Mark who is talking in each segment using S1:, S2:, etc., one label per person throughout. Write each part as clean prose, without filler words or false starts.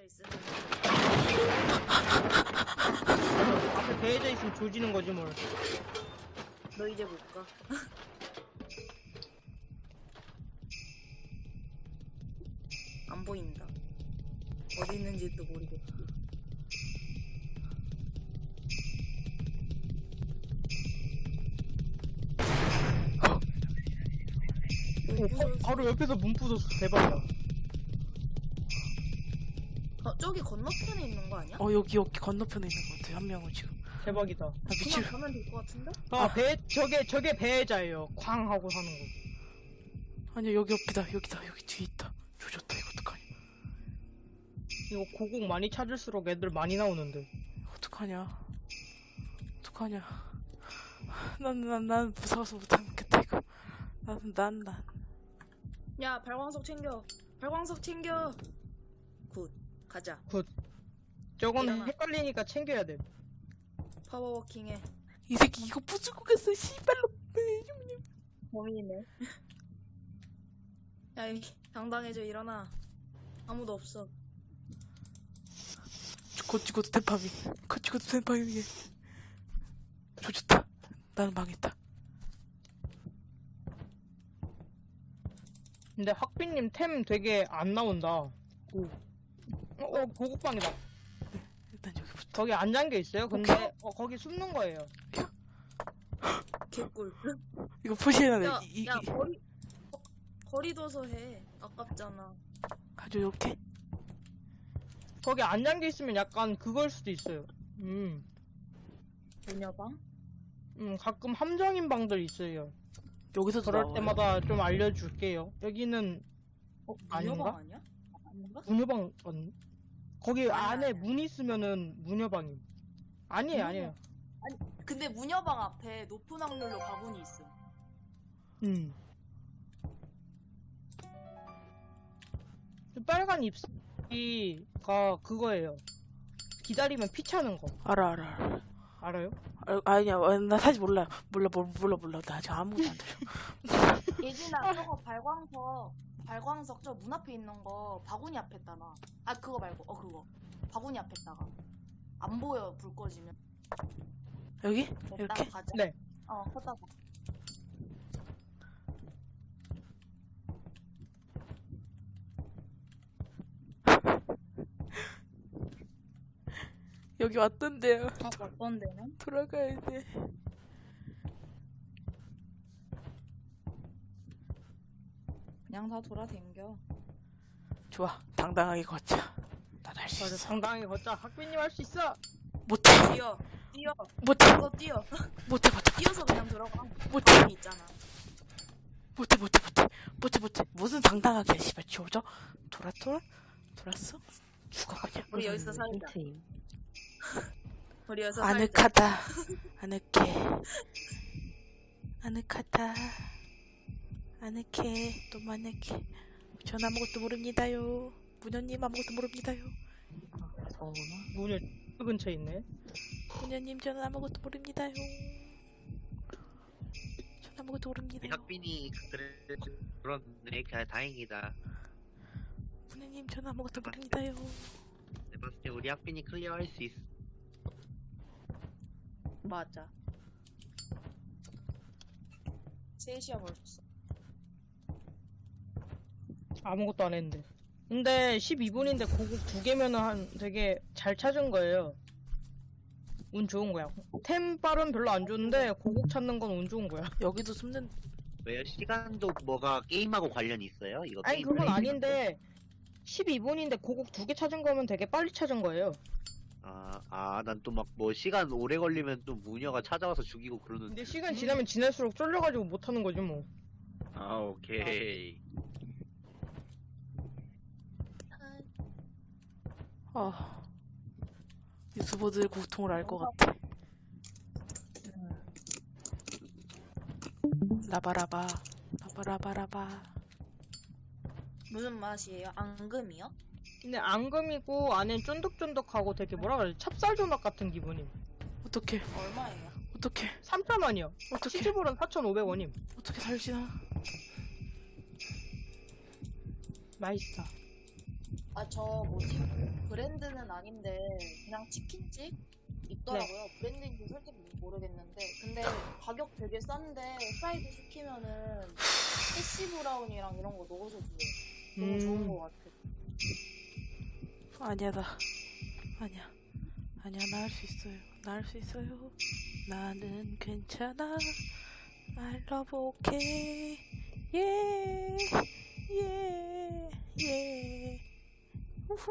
S1: 있으면
S2: 앞에 배해져 있으면 조지는 거지 뭘.
S1: 너 이제 못 가. 안 보인다. 어디 있는지도 모르겠고.
S2: 바로 옆에서 문 부쉈어. 대박이다.
S1: 저기 건너편에 있는 거 아니야?
S3: 여기 건너편에 있는 것 같아. 한 명은 지금.
S2: 대박이다.
S3: 나
S1: 그만
S3: 미칠.
S1: 가면 될 것 같은데?
S2: 저게 배해자예요. 쾅 하고 사는 거.
S3: 아니야, 여기 옆이다. 여기다. 여기 뒤에 있다. 조졌다. 이거 어떡하냐.
S2: 이거 고국 많이 찾을수록 애들 많이 나오는데.
S3: 어떡하냐. 어떡하냐. 난 무서워서 못 참겠다, 이거. 난.
S1: 야, 발광석 챙겨. 발광석 챙겨. 굿. 가자.
S2: 저건
S1: 일어나.
S2: 헷갈리니까 챙겨야 돼.
S1: 파워워킹해.
S3: 이 새끼 이거 부수고 갔어, 씨발로.
S1: 범인이네. 야, 당당해져. 일어나. 아무도 없어.
S3: 거치고도 템파밍. 거치고도 템파밍해. 조졌다. 나는 망했다.
S2: 근데 학비님 템 되게 안 나온다. 고국방이다.
S3: 일단 여기부터.
S2: 거기 안 잠겨 있어요. 근데 거기 숨는 거예요.
S1: 개꿀.
S3: 이거 포시해놔.
S1: 야, 야, 거리 둬서 해. 아깝잖아.
S3: 가져, 이렇게.
S2: 거기 안 잠겨 있으면 약간 그걸 수도 있어요.
S1: 뭐냐방?
S2: 가끔 함정인 방들 있어요.
S3: 여기서도
S2: 그럴
S3: 나와요.
S2: 때마다 좀 알려줄게요. 여기는 아닌가?
S1: 무녀방 아니야? 아닌가?
S2: 무녀방 거기 안에
S1: 아니야.
S2: 문 있으면은 무녀방임. 아니에요.
S1: 근데 무녀방 앞에 높은 확률로 바구니 있어.
S2: 빨간 잎사귀가 그거예요. 기다리면 피 차는 거.
S3: 알아.
S2: 알아요?
S3: 아니야, 나 사실 몰라. 몰라. 나 아직 아무것도 안 들려.
S1: 예진아, 저거 발광석 저 문 앞에 있는 거 바구니 앞에다 놔. 아, 그거 말고, 그거. 바구니 앞에다가. 안 보여, 불 꺼지면.
S3: 여기?
S1: 냅다가
S3: 이렇게?
S1: 가자.
S2: 네.
S1: 걷다가.
S3: 여기 왔던데요.
S1: 어떤 데는?
S3: 돌아가야 돼.
S1: 그냥 다 돌아댕겨.
S3: 좋아. 당당하게 걷자. 난 할 수
S2: 맞아,
S3: 있어.
S2: 당당하게 걷자. 학비님 할 수 있어.
S3: 못해.
S1: 뛰어.
S3: 못해.
S1: 이거 뛰어.
S3: 못해.
S1: 뛰어서 그냥 들어가.
S3: 못해.
S1: 바구니 있잖아.
S3: 못해. 무슨 당당하게 해, 씨발. 지워져? 돌았어? 죽어, 그냥.
S1: 우리 여기서 살자. 우리 여기서 살자.
S3: 아늑하다. 아늑해. 너무 아늑해. 전 아무것도 모릅니다요. 무녀님 아무것도 모릅니다요.
S2: 문을 근처에 있네.
S3: 무녀님 저는 아무것도 모릅니다요. 전 아무것도 모릅니다요.
S4: 학빈이 그렇네. 다행이다.
S3: 무녀님 저는 아무것도 모릅니다요.
S4: 내가 봤을 때 우리 학빈이 클리어할 수 있어.
S1: 맞아. 3시야 벌써.
S2: 아무것도 안 했는데. 근데 12분인데 고국 2개면은 되게 잘 찾은 거예요. 운 좋은 거야. 템빨은 별로 안 좋은데 고국 찾는 건 운 좋은 거야.
S3: 여기도 숨는.
S4: 왜요? 시간도 뭐가 게임하고 관련이 있어요? 이거
S2: 아니
S4: 게임
S2: 그건
S4: 플레이
S2: 아닌데 12분인데 고국 2개 찾은 거면 되게 빨리 찾은 거예요.
S4: 난 또 막 뭐 시간 오래 걸리면 또 무녀가 찾아와서 죽이고 그러는데.
S2: 근데 시간 지나면 지날수록 쫄려가지고 못 하는 거지 뭐.
S4: 오케이.
S3: 유튜버들 고통을 알 것 같아. 라바라바.
S1: 무슨 맛이에요? 앙금이요?
S2: 근데 앙금이고 안엔 쫀득쫀득하고 되게 뭐라 그래 찹쌀 조각 같은 기분임.
S3: 어떡해.
S1: 얼마예요?
S2: 3,000원이요.
S3: 어떡해.
S2: 치즈볼은 4,500원임.
S3: 어떻게 살지나.
S2: 맛있어.
S1: 아, 저 뭐지? 브랜드는 아닌데 그냥 치킨집 있더라고요. 브랜드인지 솔직히 모르겠는데 근데 가격 되게 싼데 사이드 시키면은 해시 브라운이랑 이런 거 넣어서 줘요. 너무 좋은 거 같아.
S3: 아니야, 아니야. 아니야, 나 할 수 있어요. 나 할 수 있어요. 나는 괜찮아. I love okay. Yeah, yeah, yeah. 우후.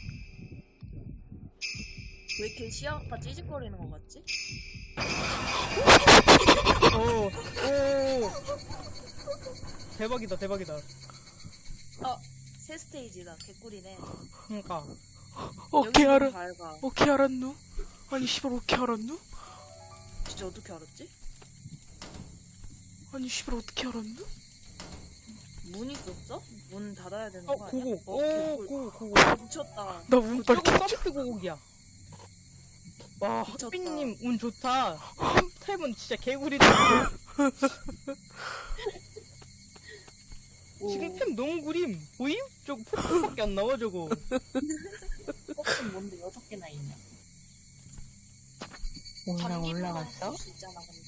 S1: 왜 이렇게 시야가 찌직거리는 거 같지?
S2: 오. 대박이다, 대박이다.
S1: 새 스테이지다. 개꿀이네.
S2: 그러니까.
S3: 어떻게
S1: 여기는
S3: 알아?
S1: 밝아.
S3: 어떻게 알았누? 아니, 씨발, 어떻게 알았누?
S1: 진짜 어떻게 알았지?
S3: 아니, 씨발, 어떻게 알았누?
S1: 문 있었어? 문 닫아야 되는
S2: 어,
S1: 거 아니야?
S2: 고고.
S1: 개꿀.
S2: 고고.
S1: 미쳤다.
S3: 나 운빨
S2: 저거 서비스 고곡이야. 와,
S1: 미쳤다.
S2: 학비님 운 좋다. 템은 진짜 개구리다. 지금 템 너무 구림. 보임? 저거 포트밖에 안 나와, 저거.
S1: 은 뭔데 6개나 있냐?
S5: 올라갔어?
S1: 수 있잖아, 근데.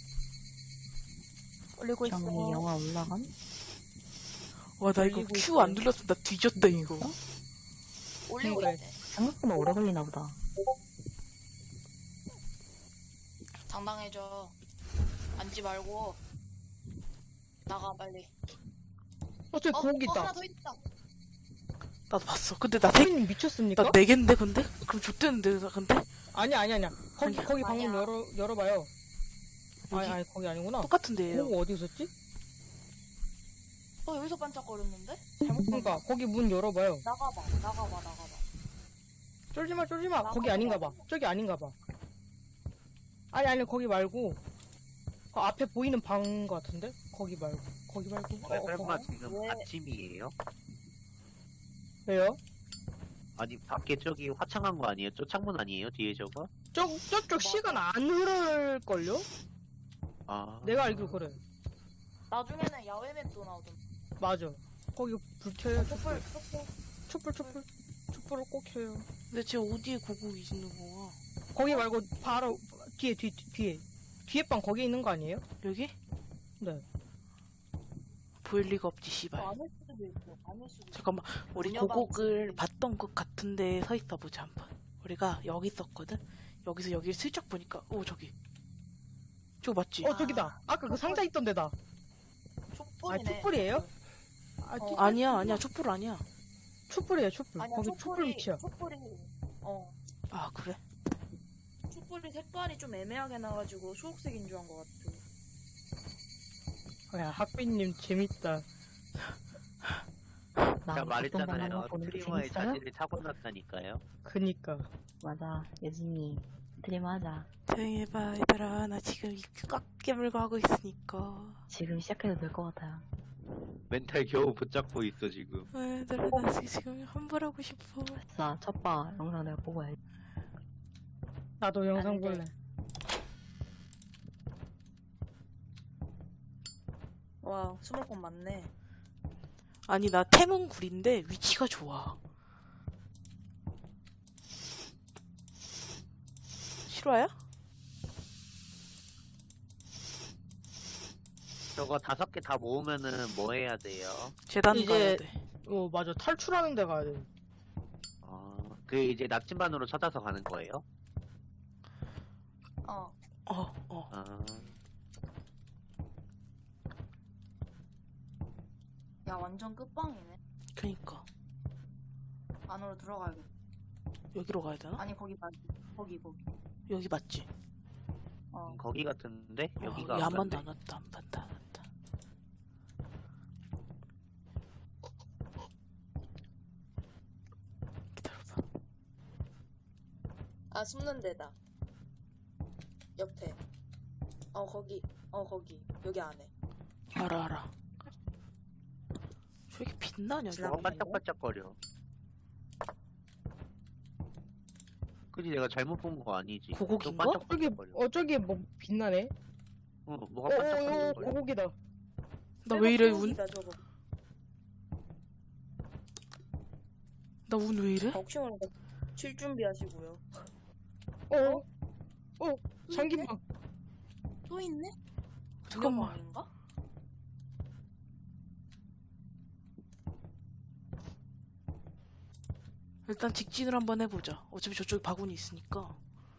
S3: 올리고
S5: 정리 영화 올라간?
S3: 와, 나 이거
S2: 올리고
S3: Q
S2: 있어요.
S3: 안 눌렀으면 나 뒤졌다, 이거.
S1: 올리고
S2: 그래.
S1: 있대.
S5: 생각보다 오래 걸리나 보다.
S1: 당당해져. 앉지 말고. 나가, 빨리.
S2: 저기 고곡
S1: 하나
S2: 있다.
S1: 더 있다.
S3: 나도 봤어. 근데 나
S2: 학비님 미쳤습니까?
S3: 나 4개인데, 근데? 그럼 좆대는데, 나 근데?
S2: 아니야. 거기
S1: 아니야.
S2: 방문
S1: 아니야.
S2: 열어봐요.
S3: 여기?
S2: 아니, 거기 아니구나.
S3: 똑같은데요.
S2: 고곡 어디 있었지?
S1: 여기서 반짝거렸는데? 잘못
S2: 그러니까 거기 문 열어봐요.
S1: 나가봐.
S2: 쫄지마.
S1: 나가봐.
S2: 거기 아닌가봐. 저기 아닌가봐. 아니, 거기 말고. 그 앞에 보이는 방 같은데? 거기 말고.
S4: 설마 지금
S1: 왜?
S4: 아침이에요?
S2: 왜요?
S4: 아니 밖에 저기 화창한 거 아니에요? 저 창문 아니에요? 뒤에 저거?
S2: 저쪽 시간 안 흐를걸요?
S4: 아
S2: 내가 알기로 그래.
S1: 나중에는 야외 맵도 나오던.
S2: 맞아. 거기 불 켜요.
S1: 촛불.
S2: 촛불을 꼭 켜요.
S3: 근데 쟤 어디에 고국이 있는 거야?
S2: 거기 말고 바로 뒤에. 뒤에 방 거기 있는 거 아니에요?
S3: 여기?
S2: 네.
S3: 보일 리가 없지, 씨발.
S1: 안일 수도 있고. 아닐 수도 있고.
S3: 잠깐만, 우리
S1: 문여방
S3: 고곡을
S1: 집이.
S3: 봤던 것 같은데 서 있어 보자 한번. 우리가 여기 있었거든. 여기서 여기를 슬쩍 보니까, 오 저기. 저거 맞지?
S2: 저기다. 아까 그 상자 있던 데다.
S1: 촛불이네.
S2: 촛불이에요?
S3: 아니야, 촛불 아니야.
S2: 촛불.
S1: 아니야,
S2: 거기 촛불 위치야.
S1: 촛불이.
S3: 아 그래?
S1: 촛불이 색깔이 좀 애매하게 나가지고 초록색인 줄 한 것 같아.
S2: 야, 학비님 재밌다.
S4: 제가 말했잖아요.
S5: 보는 게
S4: 스트리머의
S5: 재밌어요?
S4: 자질을 타고났다니까요.
S2: 그니까.
S5: 맞아. 예진이 스트리머 하자.
S3: 조용히 해봐 얘들아. 나 지금 입 꽉 깨물고 하고 있으니까.
S5: 지금 시작해도 될 것 같아요.
S4: 멘탈 겨우 붙잡고 있어 지금.
S3: 얘들아 나 지금 환불하고 싶어.
S5: 됐어. 첫바 영상 내가 보고 해.
S2: 나도 영상
S1: 안 돼.
S2: 볼래.
S1: 와, 20건 맞네.
S3: 아니 나 템은 구린데 위치가 좋아. 실화야?
S4: 저거 5개 다 모으면은 뭐 해야 돼요?
S3: 재단
S2: 이제-
S3: 가야 돼.
S2: 맞아. 탈출하는 데 가야 돼.
S4: 그 이제 나침반으로 찾아서 가는 거예요?
S1: 어.
S4: 아
S1: 야, 완전 끝방이네.
S3: 그니까
S1: 안으로 들어가야겠다.
S3: 여기로 가야 되나?
S1: 아니, 거기 말고. 거기.
S3: 여기 맞지?
S4: 거기 같은데 여기가
S3: 야, 한 번도
S4: 같네.
S3: 안 왔다. 안 봤다. 기다려봐.
S1: 아, 숨는 데다. 옆에. 거기. 거기. 여기 안에.
S3: 알아. 저기 빛나냐?
S1: 지나가-
S4: 저거 반짝반짝거려. 그지 내가 잘못 본 거 아니지?
S3: 고곡인가?
S4: 또 반짝반짝거려.
S2: 저기 뭐 빛나네.
S4: 뭐가 반짝반짝거려.
S2: 고곡이다.
S3: 나 왜 이래 운?
S1: 초록이다, 저거.
S3: 나 운 왜 이래?
S1: 혹시 모르니까 칠 준비하시고요.
S2: 장기방.
S1: 또 있네?
S3: 잠깐만.
S1: 인가?
S3: 일단 직진을 한번 해보자. 어차피 저쪽에 바구니 있으니까.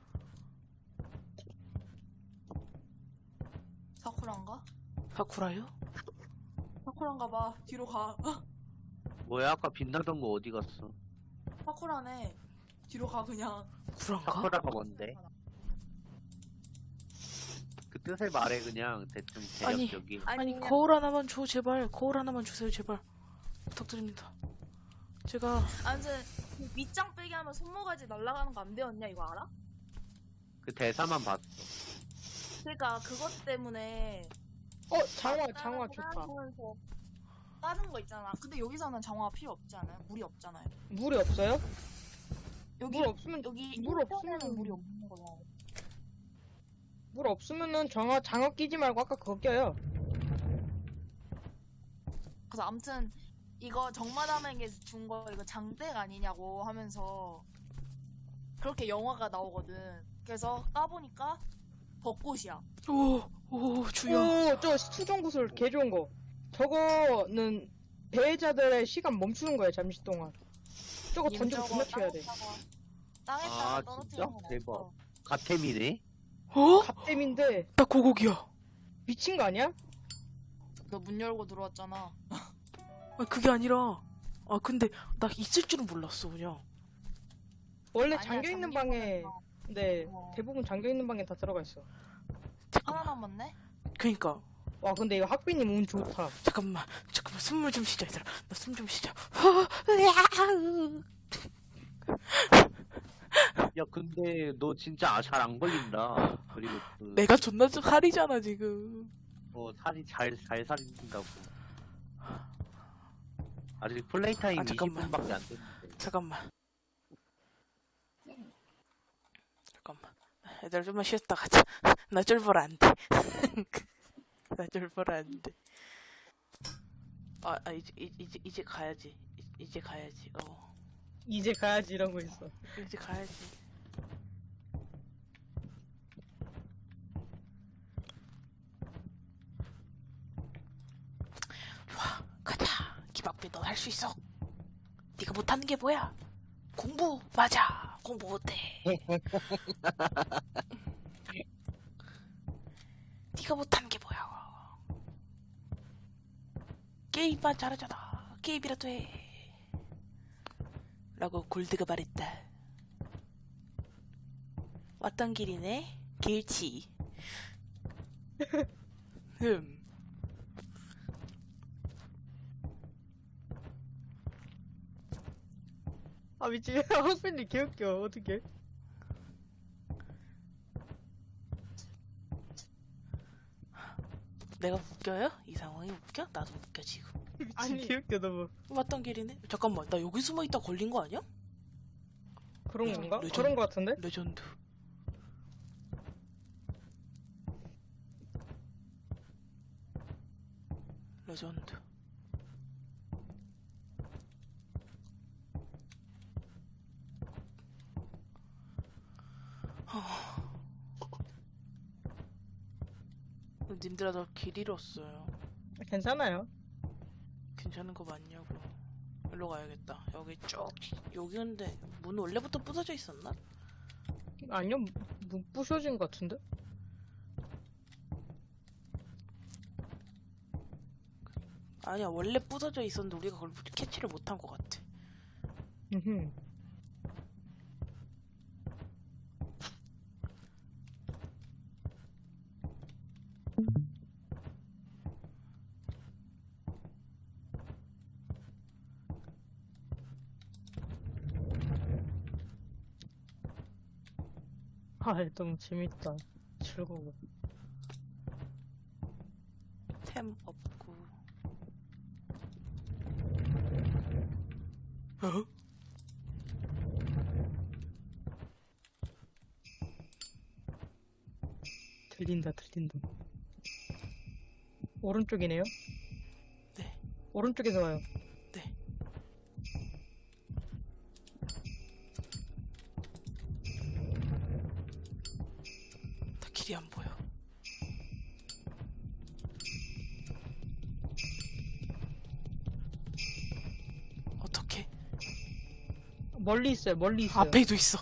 S1: 사쿠란가?
S3: 사쿠라요?
S1: 사쿠란가 봐. 뒤로 가.
S4: 뭐야 아까 빛나던 거 어디 갔어?
S1: 사쿠라네. 뒤로 가 그냥.
S3: 구란가?
S4: 사쿠라가 뭔데? 그 뜻을 말해 그냥 대충
S3: 아니.
S4: 대략적인.
S3: 아니
S1: 그냥
S3: 거울 하나만 줘 제발. 거울 하나만 주세요 제발. 부탁드립니다. 제가
S1: 아무튼 그 밑장 빼기 하면 손모가지 날아가는 거 안 배웠냐 이거 알아?
S4: 그 대사만 봤어.
S1: 그러니까 그것 때문에
S2: 장화 좋다.
S1: 하면서 다른 거 있잖아. 근데 여기서는 장화가 필요 없지 않아요? 물이 없잖아요.
S2: 물이 없어요?
S1: 여기
S2: 물 없으면
S1: 여기
S2: 물
S1: 인터넷은
S2: 없으면
S1: 물이 없는 거야.
S2: 물 없으면은 장화 끼지 말고 아까 그거 껴요.
S1: 그래서 아무튼 이거 정마담에게 준 거 이거 장땡 아니냐고 하면서 그렇게 영화가 나오거든. 그래서 까보니까 벚꽃이야.
S3: 오 주여.
S2: 저 수정구슬 개 좋은 거. 저거는 배회자들의 시간 멈추는 거예요, 잠시 동안. 저거 던지고 존나 튀어야 돼.
S1: 땅에다가
S4: 아,
S1: 떨어뜨리는
S4: 진짜?
S1: 건
S4: 대박.
S1: 없어.
S4: 가템이네?
S3: 어?
S2: 갓댐인데
S3: 나 고곡이야.
S2: 미친 거 아니야?
S1: 너 문 열고 들어왔잖아.
S3: 아 그게 아니라. 아 근데 나 있을 줄은 몰랐어 그냥.
S2: 원래
S1: 아니야,
S2: 잠겨 있는
S1: 잠긴
S2: 방에
S1: 거는
S2: 네
S1: 어.
S2: 대부분 잠겨 있는 방에 다 들어가 있어.
S1: 하나 남았네?
S3: 그니까.
S2: 와 근데 이거 학비님 운 좋다.
S3: 잠깐만 숨을 좀 쉬자 얘들아. 나 숨 좀 쉬자.
S4: 야 근데 너 진짜 잘 안 걸린다. 그리고 그,
S3: 내가 존나 좀 살이잖아 지금.
S4: 살이 잘 살인다고. 아직 플레이 타임
S3: 아, 잠깐만.
S4: 20분밖에 안 됐는데.
S3: 잠깐만. 얘들아 좀만 쉬었다 가자. 나 쫄보라 안 돼. 나 쫄보라 안 돼. 이제 가야지. 이제 가야지.
S2: 이제 가야지 이러고 있어.
S3: 이제 가야지. 좋아, 가자. 기박비 넌 할 수 있어. 네가 못하는 게 뭐야? 공부 맞아. 공부 못해. 네가 못하는 게 뭐야? 게임만 잘하잖아. 게임이라도 해. 라고 골드가 말했다. 왔던 길이네. 길치.
S2: 아 미친. 학비님 개웃겨. 어떡해.
S3: 내가 웃겨요? 이 상황이 웃겨? 나도 웃겨 지금.
S2: 미친
S1: 아니.
S2: 개웃겨 너무.
S3: 왔던 길이네. 잠깐만, 나 여기 숨어 있다 걸린 거 아니야?
S2: 그런 건가?
S3: 레전드.
S2: 그런 거 같은데?
S3: 레전드. 레전드. 님들아 나 길 잃었어요.
S2: 괜찮아요.
S3: 괜찮은 거 맞냐고. 일로 가야겠다. 여기 쭉 여기 근데 문 원래부터 부서져 있었나?
S2: 아니요, 부셔진 것 같은데?
S3: 아니야 원래 부서져 있었는데 우리가 그걸 캐치를 못한 것 같아.
S2: 음흠. 아, 너무 재밌다. 즐거워.
S3: 템 없고. 어?
S2: 들린다. 오른쪽이네요?
S3: 네.
S2: 오른쪽에서 와요.
S3: 네. 어디 안 보여. 어떻게?
S2: 멀리 있어요. 멀리 있어요.
S3: 앞에도 있어.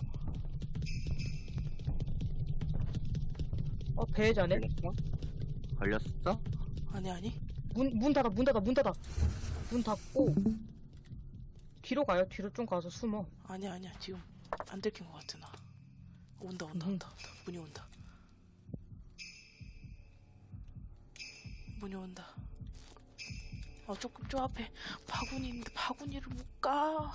S2: 배회자네.
S4: 걸렸어? 걸렸어?
S3: 아니.
S2: 문 닫아. 문 닫고 뒤로 가요. 뒤로 좀 가서 숨어.
S3: 아니야. 지금 안 들킨 것 같아 나. 온다. 문이 온다. 문이 온다. 조금 저 앞에 바구니 있는데 바구니를 못 가.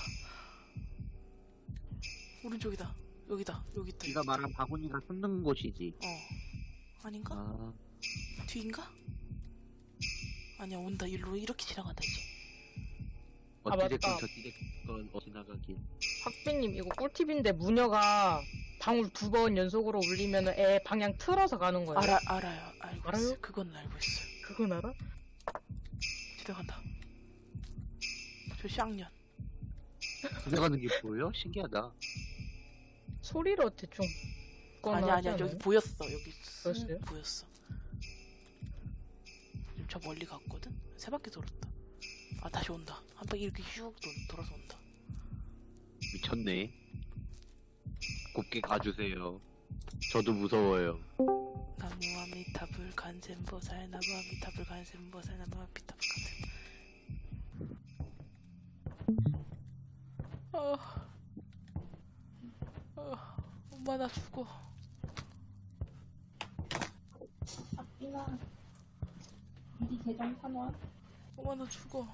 S3: 오른쪽이다. 여기다.
S4: 네가 말한 바구니가 숨는 곳이지.
S3: 아닌가?
S4: 아,
S3: 뒤인가? 아니야 온다. 일로 이렇게 지나간다 이제.
S4: 어찌됐건
S2: 맞다.
S4: 저찌됐건 지나가길.
S2: 학비님 이거 꿀팁인데 무녀가 방울 2번 연속으로 울리면 애 방향 틀어서 가는 거예요.
S3: 알아요. 알고
S2: 알아요?
S3: 있어요. 그건 알고 있어요.
S2: 그건 알아?
S3: 지나간다. 저 쌍년.
S4: 지나가는 게 보여? 신기하다.
S2: 소리로 대충. 그건
S3: 아니야.
S2: 하지
S3: 여기
S2: 않아요?
S3: 보였어. 여기
S2: 보였어요?
S3: 보였어. 지금 저 멀리 갔거든? 세 바퀴 돌았다. 다시 온다. 한 바퀴 이렇게 슉 돌아서 온다.
S4: 미쳤네. 곱게 가주세요. 저도 무서워요.
S3: 나무 아미타불 간센보살 나무 아미타불 간센보살 나무 아미타불 간센. 엄마 나 죽어.
S6: 아끼나 네 계정 사놔.
S3: 엄마 나 죽어.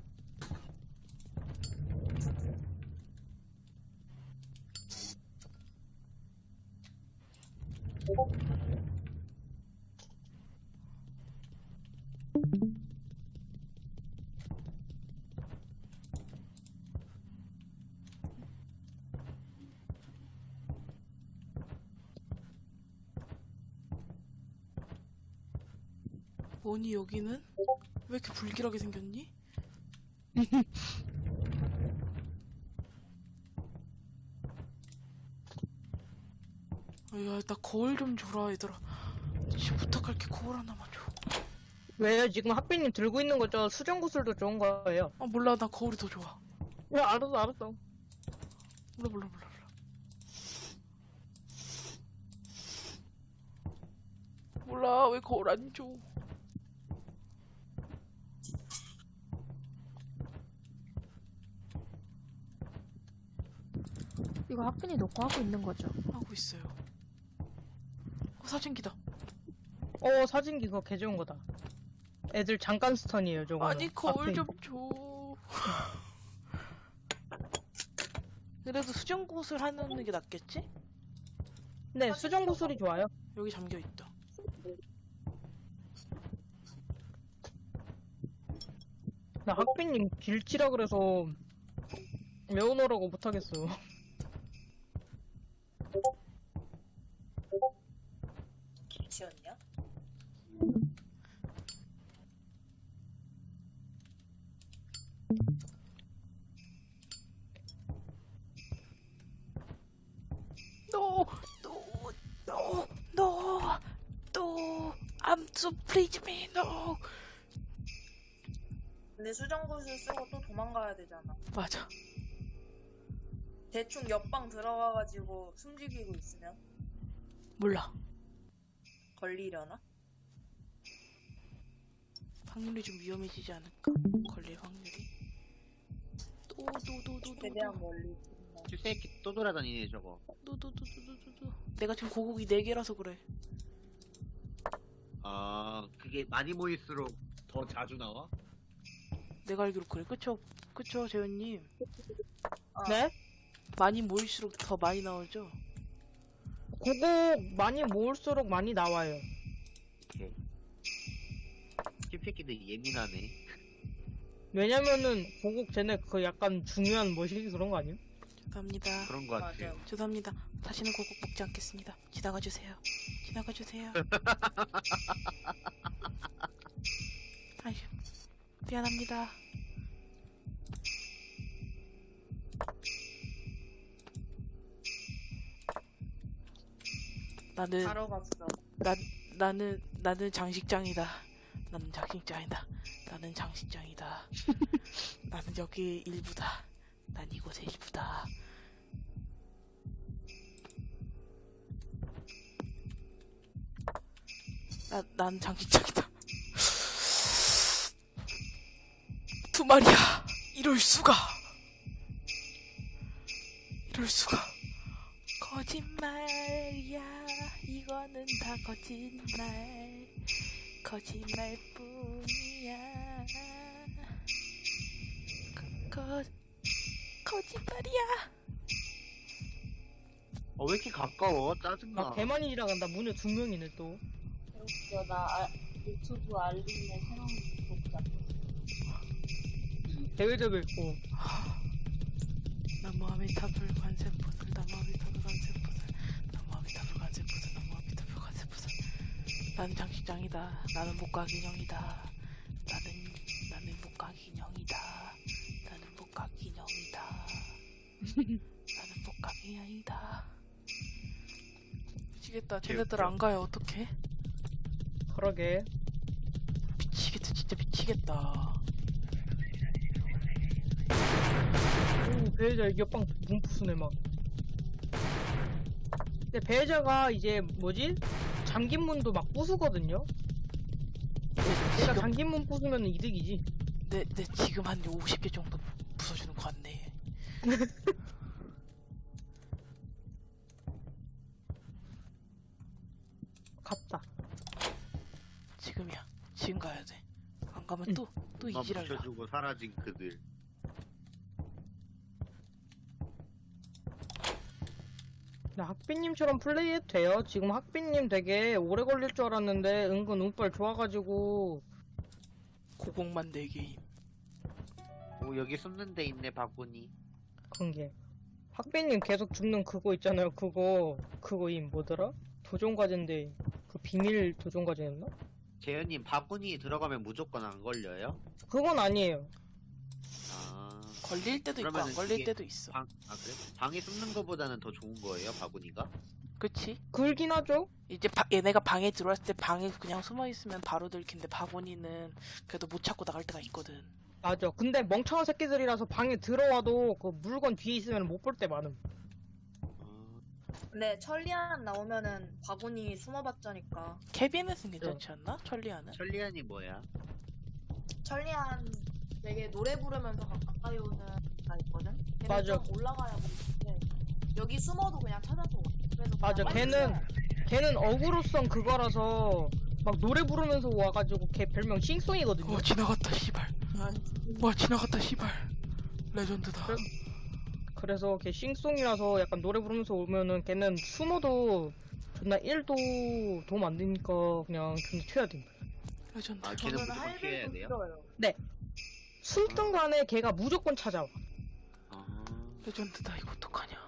S3: 뭐니 여기는? 왜 이렇게 불길하게 생겼니? 야, 나 거울 좀 줘라 얘들아. 진짜 부탁할게. 거울 하나만 줘.
S2: 왜요? 지금 학비님 들고 있는 거죠? 수정구슬도 좋은 거예요.
S3: 몰라. 나 거울이 더 좋아.
S2: 야, 알았어.
S3: 몰라. 몰라. 왜 거울 안 줘?
S6: 이거 학빈이 놓고 하고 있는 거죠?
S3: 하고 있어요. 사진기다.
S2: 사진기 그거 개 좋은 거다. 애들 잠깐 스턴이에요, 저거.
S3: 아니 거울 좀 줘. 그래도 수정구슬 하는 게 낫겠지?
S2: 네, 수정구슬이 좋아요.
S3: 여기 잠겨 있다.
S2: 나 학비님 길치라 그래서 외워놓으라고 못하겠어.
S1: 김치였냐?
S3: No. I'm so please me, no.
S1: 근데 수정구슬 쓰고 또 도망가야 되잖아.
S3: 맞아.
S1: 대충 옆방 들어가가지고 숨죽이고 있으면
S3: 몰라.
S1: 걸리려나?
S3: 확률이 좀 위험해지지 않을까? 걸릴 확률이. 또.
S1: 최대한 멀리.
S4: 이 새끼 또 돌아다니네 저거.
S3: 내가 지금 고국이 4개라서 그래.
S4: 아, 그게 많이 모일수록 더 자주 나와?
S3: 내가 알기로 그래. 그쵸, 재현님?
S2: 네?
S3: 많이 모일수록 더 많이 나오죠?
S2: 그거 많이 모을수록 많이 나와요.
S4: 오케이. 이 새끼들 예민하네.
S2: 왜냐면은 고국 쟤네 그 약간 중요한 뭐시 그런 거 아니에요?
S3: 죄송합니다.
S4: 그런 거 같아요.
S1: 맞아.
S3: 죄송합니다. 다시는 고국 먹지 않겠습니다. 지나가주세요. 아휴, 미안합니다. 나는
S1: 바로 갔어.
S3: 나는 장식장이다. 나는 장식장이다. 나는 장식장이다. 나는 여기 일부다. 난 이곳의 일부다. 난 장식장이다. 두 마리야. 이럴 수가. 이럴 수가. 거짓말이야. 이거는 다 거짓말. 거짓말뿐이야. 거짓말이야.
S4: 왜 이렇게 가까워? 짜증나.
S2: 나 개만이 지나간다. 문에 2명이네 또.
S1: 웃겨. 나 유튜브 알림에 새로운 구독자.
S2: 대회적도 있고.
S3: 나무 아미타불 관세포들 나무 아미타불 관세포들 나무 아미타불 관세포들 나무 아미타불 관세포들. 나는 장식장이다. 나는 목각인형이다. 나는 목각인형이다. 나는 목각인형이다. 나는 목각인형이다. 미치겠다. 쟤네들 안 가요. 어떡해?
S2: 그러게.
S3: 미치겠다. 진짜 미치겠다.
S2: 오, 배혜자 이겨빵 문푸스네 막. 근데 배혜자가 이제 뭐지? 잠긴 문도 막 부수거든요? 내가 잠긴 문 부수면 이득이지.
S3: 내 지금 한 50개 정도 부숴주는 거 같네.
S2: 갔다.
S3: 지금이야. 지금 가야 돼. 안 가면
S2: 응.
S3: 또
S4: 만
S3: 이지랄다.
S4: 붙여주고 사라진 그들.
S2: 나 학비님처럼 플레이해도 돼요. 지금 학비님 되게 오래 걸릴 줄 알았는데 은근 운빨 좋아가지고.
S3: 고공만 4개임.
S4: 오, 여기 숨는 데 있네, 바구니.
S2: 그런 게. 학비님 계속 죽는 그거 있잖아요. 그거임 뭐더라? 도전과제인데 그 비밀 도전과제였나?
S4: 재현님, 바구니 들어가면 무조건 안 걸려요?
S2: 그건 아니에요.
S4: 아,
S3: 걸릴 때도 있고 안
S4: 그러면은
S3: 걸릴
S4: 이게
S3: 때도 있어.
S4: 그래? 방에 숨는 거보다는 더 좋은 거예요, 바구니가?
S3: 그치?
S2: 글긴 하죠?
S3: 이제 얘네가 방에 들어왔을 때 방에 그냥 숨어 있으면 바로 들킨데 바구니는 그래도 못 찾고 나갈 때가 있거든.
S2: 맞아. 근데 멍청한 새끼들이라서 방에 들어와도 그 물건 뒤에 있으면 못 볼 때 많음.
S1: 근데 천리안 나오면은 바구니 숨어봤자니까.
S3: 케빈에서는 괜찮지 않나? 천리아는?
S4: 천리안이 뭐야?
S1: 천리안 되게 노래 부르면서 가까이 오는 애가 있거든? 걔는
S2: 맞아.
S1: 좀 올라가야 보이는데 여기 숨어도 그냥 찾아서 와. 그래서
S2: 맞아.
S1: 그냥
S2: 걔는 어그로성 그거라서 막 노래 부르면서 와가지고 걔 별명 싱송이거든요.
S3: 지나갔다 씨발. 와 지나갔다 씨발. 레전드다.
S2: 그래서 걔 싱송이라서 약간 노래 부르면서 오면은 걔는 숨어도 존나 1도 도움 안 되니까 그냥 존나 튀어야 돼.
S3: 레전드.
S4: 아, 걔는
S1: 저는
S4: 무조건 피해야
S1: 할배도
S4: 돼요?
S1: 싫어요.
S2: 숨든 간에 걔가 무조건 찾아와.
S4: 아,
S3: 레전드다. 이거 어떡하냐.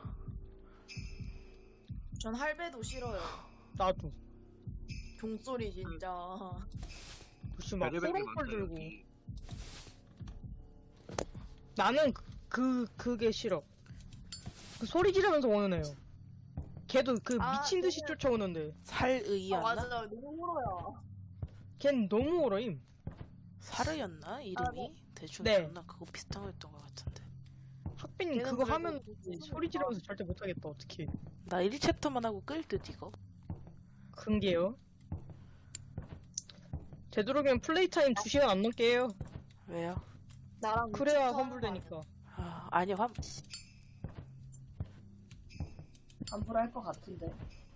S1: 전 할배도 싫어요.
S2: 나도.
S1: 종소리 진짜.
S2: 혹시 막
S4: 별의별 게
S2: 호롱불
S4: 많다,
S2: 들고.
S4: 여기.
S2: 나는 그게 싫어. 그 소리 지르면서 오는 애요. 걔도 그
S1: 아,
S2: 미친 듯이
S1: 걔는-
S2: 쫓아오는데.
S3: 살의였나?
S1: 맞아요. 너무 울어요.
S2: 걘 너무 오러임.
S3: 사르였나? 이름이? 대충
S2: 네.
S3: 존나 그거 비슷한 거였던 것 같은데.
S2: 학빈님
S1: 걔는
S2: 그거
S1: 그래도
S2: 하면
S1: 무슨
S2: 소리 지르면서 절대 못하겠다. 어떡해.
S3: 나 1챕터만 하고 끌 듯 이거.
S2: 큰 게요. 되도록이면 플레이 타임 2시간 안 넘게 해요.
S3: 왜요?
S1: 나랑
S2: 그래야
S1: 유튜브
S2: 환불되니까.
S3: 아, 아니
S1: 환불할 것 같은데.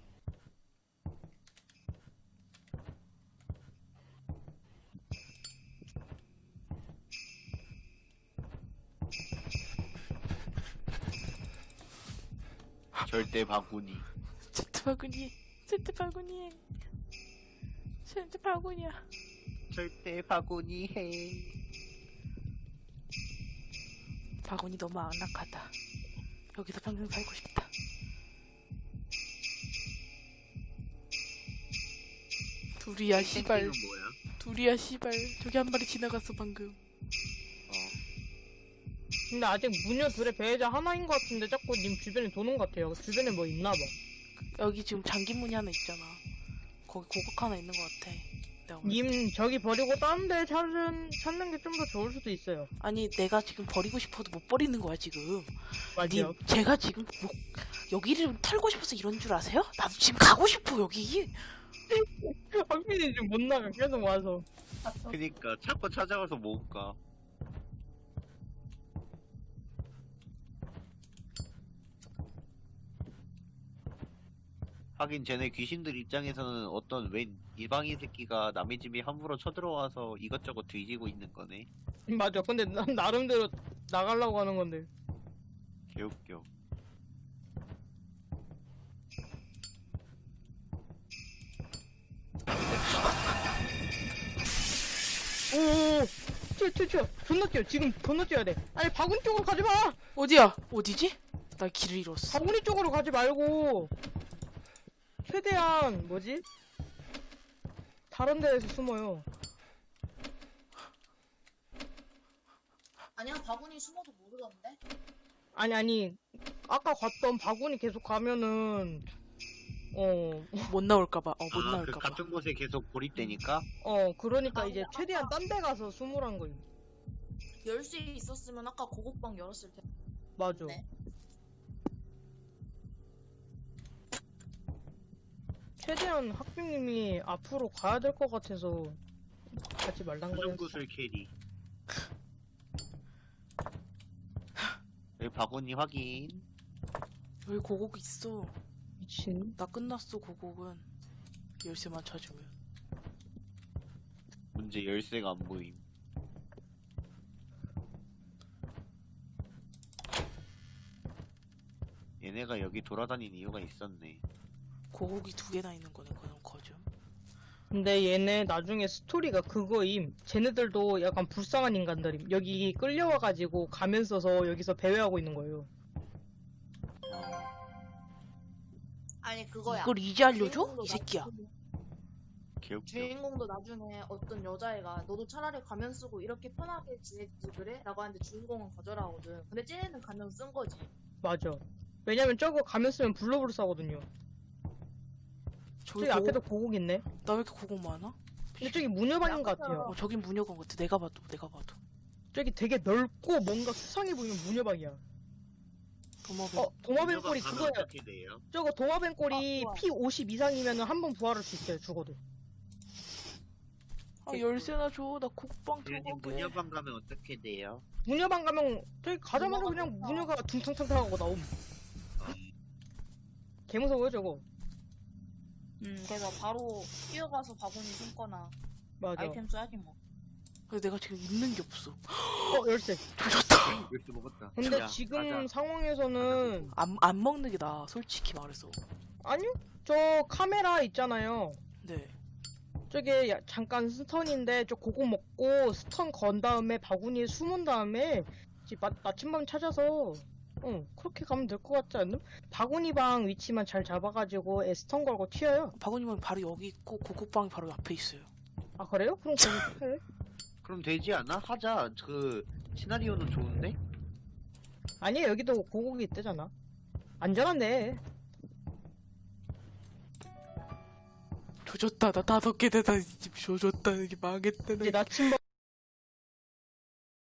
S4: 절대 바구니.
S3: 제트 바구니. 제트 바구니. 제트 바구니야.
S4: 절대 바구니 해.
S3: 바구니 너무 안락하다. 여기서 평생 살고 싶다. 둘이야 씨발.
S4: 땡땡은 뭐야?
S3: 둘이야 씨발. 저기 한 마리 지나갔어 방금.
S2: 근데 아직 무녀 둘의 배회자 하나인 것 같은데 자꾸 님 주변에 도는 것 같아요. 주변에 뭐 있나봐.
S3: 여기 지금 잠긴 문이 하나 있잖아. 거기 고국 하나 있는 것 같아. 내가 볼 때.
S2: 님 저기 버리고 다른 데 찾는 게 좀 더 좋을 수도 있어요.
S3: 아니 내가 지금 버리고 싶어도 못 버리는 거야 지금.
S2: 맞아요.
S3: 님 제가 지금 여기를 털고 싶어서 이런 줄 아세요? 나도 지금 가고 싶어 여기.
S2: 확실히 지금 못 나가 계속 와서.
S4: 그니까 자꾸 찾아가서 못 가. 하긴 쟤네 귀신들 입장에서는 어떤 웬 일방인 새끼가 남의 집에 함부로 쳐들어와서 이것저것 뒤지고 있는 거네.
S2: 맞아. 근데 난 나름대로 나가려고 하는 건데.
S4: 개웃겨.
S2: 오오오. 튀어. 존나 뛰어. 지금 존나 뛰어야 돼. 아니 바구니 쪽으로 가지 마.
S3: 어디야? 어디지? 나 길을 잃었어.
S2: 바구니 쪽으로 가지 말고 최대한 뭐지? 다른 데에서 숨어요.
S1: 아니야, 바구니 숨어도 모르던데?
S2: 아니 아까 갔던 바구니 계속 가면은
S3: 못 나올까봐. 못
S4: 그
S3: 나올까봐.
S4: 같은 곳에 계속 고립되니까?
S2: 그러니까 이제 최대한 딴 데 가서 숨으란 거예요.
S1: 열 수 있었으면 아까 고국방 열었을 텐데.
S2: 맞아.
S1: 네.
S2: 최대한 학비님이 앞으로 가야 될 것 같아서 가지 말란 거였어.
S4: 수정구슬 캐리. 여기 바구니 확인.
S3: 여기 고국 있어.
S2: 미친.
S3: 나 끝났어 고국은. 열쇠만 찾으면.
S4: 문제 열쇠가 안 보임. 얘네가 여기 돌아다니는 이유가 있었네.
S3: 고국이 2개나 있는 거네 그럼 거죠.
S2: 근데 얘네 나중에 스토리가 그거임. 쟤네들도 약간 불쌍한 인간들임. 여기 끌려와가지고 가면 써서 여기서 배회하고 있는 거예요.
S1: 아니, 그거야.
S3: 이걸 이제 알려줘?
S1: 주인공도
S3: 이 새끼야.
S4: 개웃겨.
S1: 주인공도 나중에 어떤 여자애가 너도 차라리 가면 쓰고 이렇게 편하게 지내지 그래? 라고 하는데 주인공은 거절하거든. 근데 쟤네는 가면 쓴 거지.
S2: 맞아. 왜냐면 저거 가면 쓰면 블루블루 싸거든요.
S3: 저기
S2: 저기
S3: 고국...
S2: 앞에도 고국 있네.
S3: 나 왜 이렇게 고국 많아?
S2: 근데 저기 무녀방인 것 같아요.
S3: 저긴 무녀관 같아. 내가 봐도.
S2: 저기 되게 넓고 뭔가 수상해 보이는 무녀방이야.
S3: 도마뱀.
S2: 도마뱀 꼬리
S4: 가면
S2: 그거예요.
S4: 어떻게 돼요?
S2: 저거 도마뱀 꼬리
S1: 좋아.
S2: 피 50 이상이면 한 번 부활할 수 있어요. 죽어도.
S3: 열쇠나 줘. 나 고국방
S4: 주인님
S3: 들어가게.
S4: 문여방 가면 어떻게 돼요?
S2: 무녀방 가면 저기 가자마자
S1: 무녀가
S2: 그냥
S1: 좋다.
S2: 무녀가 둥탕탕탕하고 나옴. 개 무서워요 저거.
S1: 그래서 바로 뛰어가서 바구니 숨거나
S2: 맞아.
S1: 아이템 써야지 뭐.
S3: 근데 내가 지금 입는 게 없어.
S2: 열쇠.
S3: 조졌다.
S4: 열쇠 먹었다.
S2: 근데
S4: 야,
S2: 지금
S4: 가자.
S2: 상황에서는
S3: 안 먹는 게 나아. 솔직히 말해서.
S2: 아니요. 저 카메라 있잖아요.
S3: 네.
S2: 저게 잠깐 스턴인데 저 고거 먹고 스턴 건 다음에 바구니에 숨은 다음에 이제 나침반 찾아서 그렇게 가면 될 것 같지 않나? 바구니 방 위치만 잘 잡아가지고 스턴 걸고 튀어요.
S3: 바구니만 바로 여기 있고 고국방이 바로 앞에 있어요.
S2: 아 그래요? 그럼 거기 해.
S4: 그럼 되지 않아? 하자. 그 시나리오는 좋은데?
S2: 아니에요. 여기도 고국이 있대잖아. 안전한데.
S3: 조졌다. 나 5개 되다. 집 조졌다. 이게 망했다.
S2: 이제 나침반